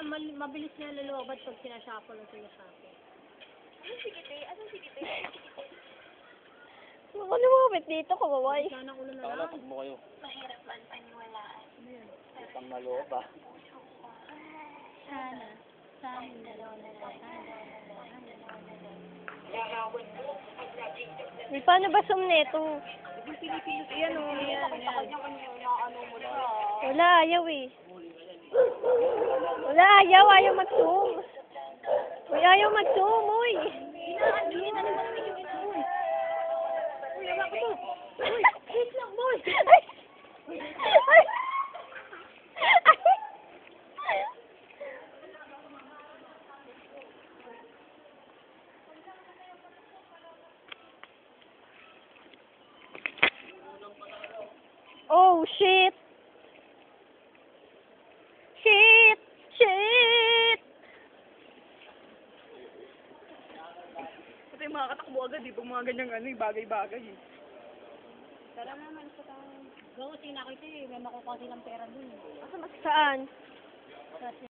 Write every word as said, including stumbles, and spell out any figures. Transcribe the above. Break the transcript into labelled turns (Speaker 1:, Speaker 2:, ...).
Speaker 1: mal- mabilis niya lulubat pag sinashuffle o sinashuffle.
Speaker 2: Ano si Kite? Ano si Kite?
Speaker 3: Ako lumapit dito, kawaway.
Speaker 1: Sana ulo na
Speaker 4: Tawala,
Speaker 1: lang.
Speaker 4: pag mo kayo.
Speaker 2: Mahirap man paniwalaan.
Speaker 4: Utang na loob ah.
Speaker 1: Sana. Sana.
Speaker 3: Di, paano ba sum neto?
Speaker 1: Yan o, yan, yan.
Speaker 3: Wala, ayaw eh. Wala, ayaw, ayaw mag-zoom. Uy, ayaw mag-zoom, uy.
Speaker 1: Hindi na naman namin yung ito. Uy, yawa ko to. Uy, wait lang, boy.
Speaker 3: Ay! Ay! Oh, shit! Shit! Shit!
Speaker 2: Kasi makakatakbo agad eh, pag mga ganyang ano, bagay-bagay eh.
Speaker 1: Tara naman sa tayo. Gawa, sinakita eh. May makukuha silang pera dun.
Speaker 3: Saan?
Speaker 1: Sa